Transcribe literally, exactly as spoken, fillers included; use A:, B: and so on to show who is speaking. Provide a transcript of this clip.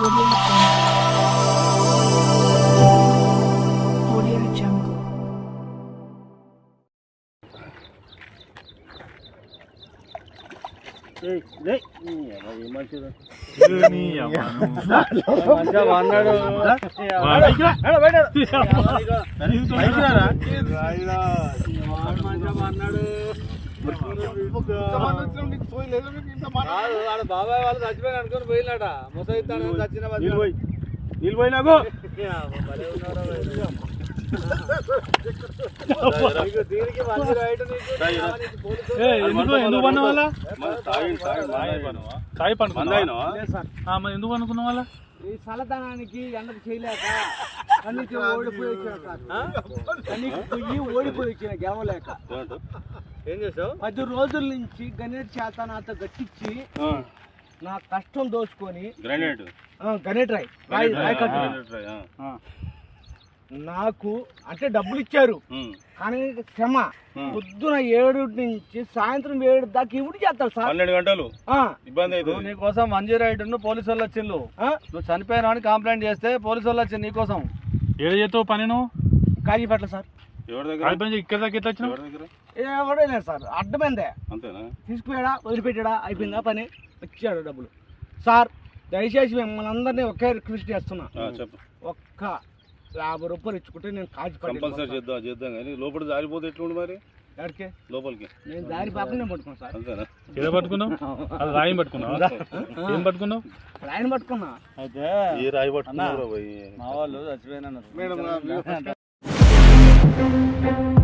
A: బాబాయ్ వాళ్ళు చచ్చిపోయిన అనుకుని పోయినాట ముసైతాను చచ్చిన
B: నీళ్ళు పోయినాకు
A: దీనికి మంచి రైట్
B: ఎందుకు పన్న వాళ్ళ ఎందుకు అనుకున్న వాళ్ళ
A: ఈ చల్లదనానికి ఎండకు చేయలేక కన్నీకి ఓడిపోయి వచ్చిన సార్ కన్నీకి పొయ్యి ఓడిపోయి వచ్చిన గెలవలేక ఏం చేసావు పది రోజుల నుంచి గణేట్ చేత నాతో గట్టించి నా కష్టం దోచుకొని
B: గ్రానైట్
A: గణేట్ రాయ్ రాయ్ రాయ్ కట్టు నాకు అంటే డబ్బులు ఇచ్చారు కానీ శ్రమ పొద్దున ఏడు నుంచి సాయంత్రం ఏడు దాకా ఇవి చేస్తారు సార్
B: పన్నెండు గంటలు ఇబ్బంది అయితే
A: నీకోసం మంజీ రైడ్ పోలీసు వాళ్ళు వచ్చిండు నువ్వు చనిపోయినా అని కంప్లైంట్ చేస్తే పోలీసు వాళ్ళు వచ్చింది నీకోసం
B: ఏడు చేస్తావు పని నువ్వు
A: కాజీపట్ల సార్
B: ఇక్కడ దాకా ఎట్లా వచ్చినావు
A: ఎవడే లేదు సార్ అడ్డమైందే
B: అంతేనా
A: తీసుకుపోయాడా వదిలిపెట్టాడా అయిపోయిందా పని వచ్చాడు డబ్బులు సార్ దయచేసి మిమ్మల్ని అందరినీ ఒకే రిక్వెస్ట్ చేస్తున్నా ఒక్క యాభై రూపాయలు ఇచ్చుకుంటే నేను కాజీ
B: కంపల్సరీ చేద్దాం చేద్దాం కానీ లోపల జారిపోతే ఎట్లుండి మరి
A: ఎక్కడికి
B: లోపలికి
A: నేను దారి పాపనే పట్టుకున్నాను సార్
B: అంతేనా ఏదో పట్టుకున్నావు అది రాయి పట్టుకున్నావు ఏం పట్టుకున్నావు
A: రాయిని పట్టుకున్నా
B: అయితే ఏ రాయి పట్టుకున్నావు
A: మా వాళ్ళు చచ్చిపోయినా